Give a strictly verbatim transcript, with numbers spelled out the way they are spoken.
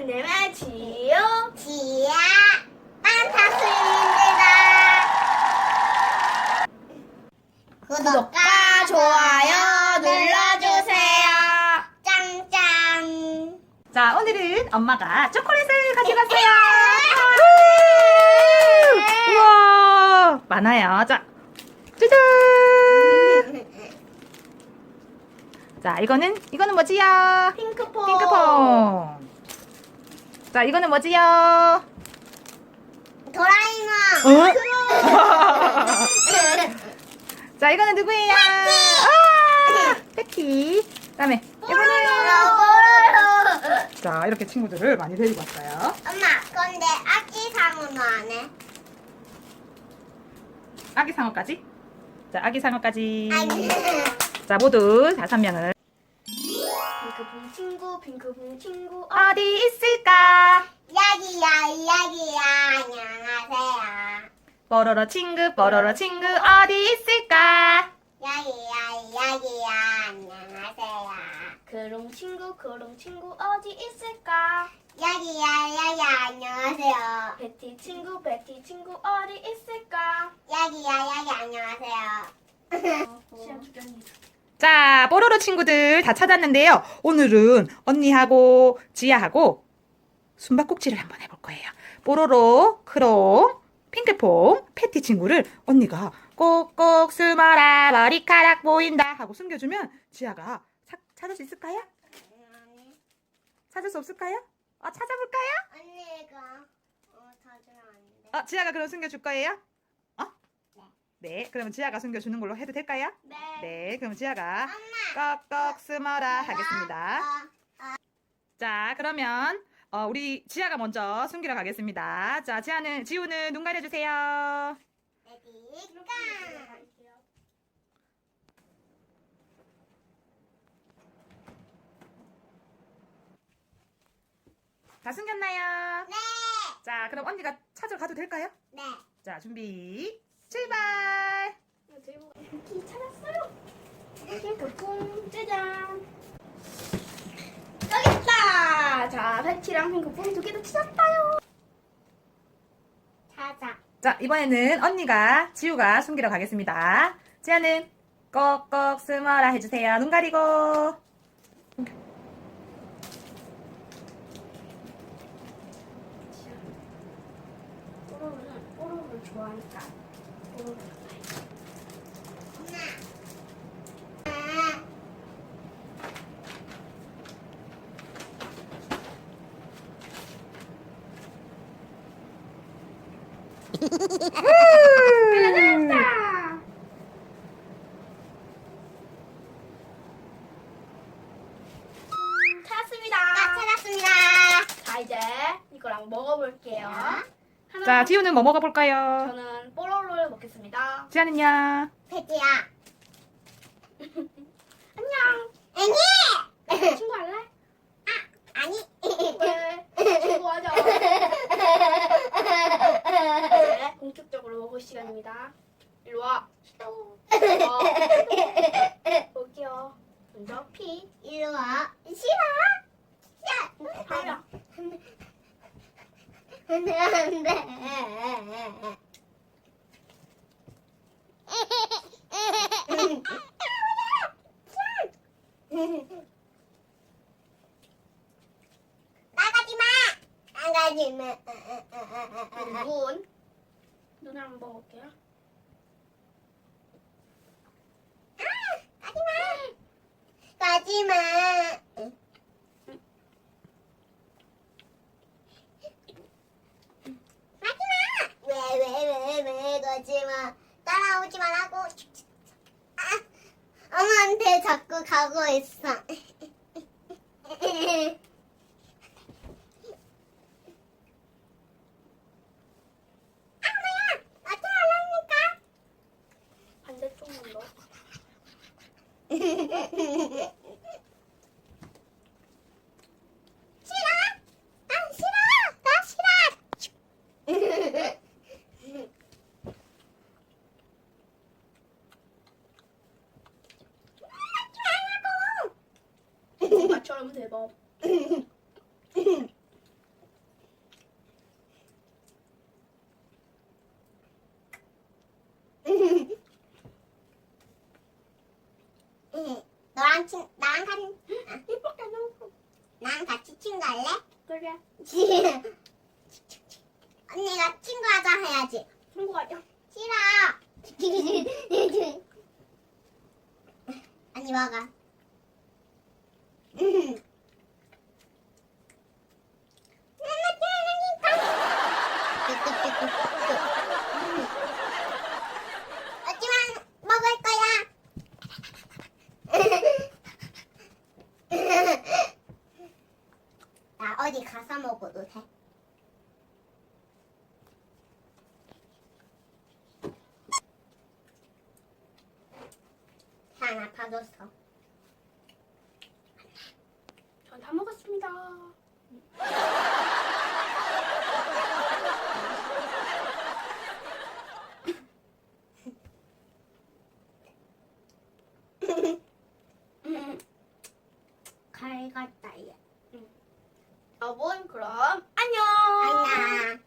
이름은 지유, 지야 판타스입니다. 구독과 좋아요 눌러주세요. 짱짱. 자, 오늘은 엄마가 초콜릿을 가져갔어요. 우와, 많아요. 자, 짜잔. 자, 이거는 이거는 뭐지요? 핑크퐁. 핑크퐁. 자, 이거는 뭐지요? 도라에몽. 어? 자, 이거는 누구예요? 아, 패티. 그다음에 이거는 자, 이렇게 친구들을 많이 데리고 왔어요. 엄마, 근데 아기 상어는 안 해? 아기 상어까지. 자, 아기 상어까지. 아니. 자, 모두 다섯 명을 핑크퐁 친구, 핑크퐁 친구. 어디 있을까? 여기야, 여기야. 안녕하세요. 뽀로로 친구, 뽀로로 친구 어디 있을까? 여기야, 여기야. 안녕하세요. 그롱 친구, 그롱 친구 어디 있을까? 여기야, 여기야. 안녕하세요. 베티 친구, 베티 친구 어디 있을까? 여기야, 여기 안녕하세요. 시험 주경이. 자, 뽀로로 친구들 다 찾았는데요. 오늘은 언니하고 지아하고 숨바꼭질을 한번 해볼 거예요. 뽀로로, 크롱, 핑크퐁, 패티 친구를 언니가 꼭꼭 숨어라 머리카락 보인다 하고 숨겨주면 지아가 사, 찾을 수 있을까요? 찾을 수 없을까요? 어, 찾아볼까요? 언니가 어 찾으면 안 돼. 어, 지아가 그럼 숨겨줄 거예요? 어? 네, 그러면 지아가 숨겨주는 걸로 해도 될까요? 네. 네, 그럼 지아가 엄마. 꼭꼭 숨어라 하겠습니다. 어, 자, 그러면 어, 우리 지아가 먼저 숨기러 가겠습니다. 자, 지아는 지우는 눈 가려주세요. 레디 고. 다 숨겼나요? 네. 자, 그럼 언니가 찾으러 가도 될까요? 네. 자, 준비 출발. 키 찾았어요. 핑크퐁 짜잔. 여기 있다. 자, 베티랑 핑크퐁 두 개 다 찾았어요. 찾아. 자, 이번에는 언니가 지우가 숨기러 가겠습니다. 지아는 꼭꼭 숨어라 해주세요. 눈 가리고. 뽀로로는 뽀로로를 좋아하니까 뽀로로. 찾았다. 음, 찾았습니다. 나 찾았습니다. 자, 이제 이거랑 먹어볼게요. 하나, 자, 지우는 뭐 먹어볼까요? 저는 뽀로로를 먹겠습니다. 지아는요? 패티야. 안녕. 아니. 친구 할래? 아니. 왜? 친구 하자. 이제 본격적으로 먹을 시간입니다. 일로 와. 어, 여기요. 먼저 피. 이리 와. 싫어. 야. 하야. 안돼 안돼. 나가지 마. 나가지 마. 눈. 눈을 한번 먹을게요. 가지 마. 가지 마. 가지 마. 왜 왜 왜 왜 가지 마. 따라오지 말라고. 아, 엄마한테 자꾸 가고 있어. 반대쪽만 넣어. 싫어? 난 싫어. 나 싫어. 엄마처럼 대박. 친, 나랑 같이, 이쁘게 넣고. 나랑 같이 친구 할래? 그래. 언니가 친구하자 해야지. 친구가요. 싫어. 언니 먹어. 하지만 먹을 거야. 나 어디 가서 먹어도 돼. 하나 봐줬어. 전 다 먹었습니다. 갈 갔다 얘. 여러분 그럼 안녕. 안녕.